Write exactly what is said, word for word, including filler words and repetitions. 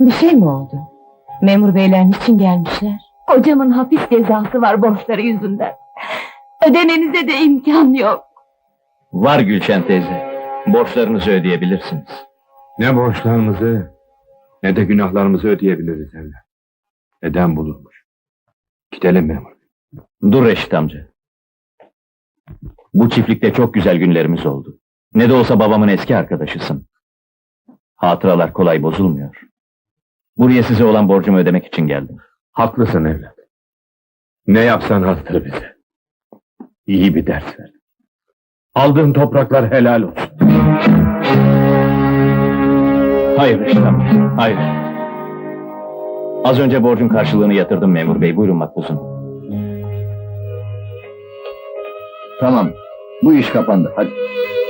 Bir şey mi oldu? Memur beyler niçin gelmişler? Kocamın hapis cezası var borçları yüzünden. Ödemenize de imkan yok. Var Gülşen teyze. Borçlarınızı ödeyebilirsiniz. Ne borçlarımızı ne de günahlarımızı ödeyebiliriz evlat. Eden bulunmuş. Gidelim memur. Dur Reşit amca. Bu çiftlikte çok güzel günlerimiz oldu. Ne de olsa babamın eski arkadaşısın. Hatıralar kolay bozulmuyor. Buraya size olan borcumu ödemek için geldim. Haklısın evlat. Ne yapsan azdır bize. İyi bir ders ver. Aldığın topraklar helal olsun. Hayır Reşit amca, hayır. Az önce borcun karşılığını yatırdım memur bey, buyurun makbuzum. Tamam, bu iş kapandı, hadi.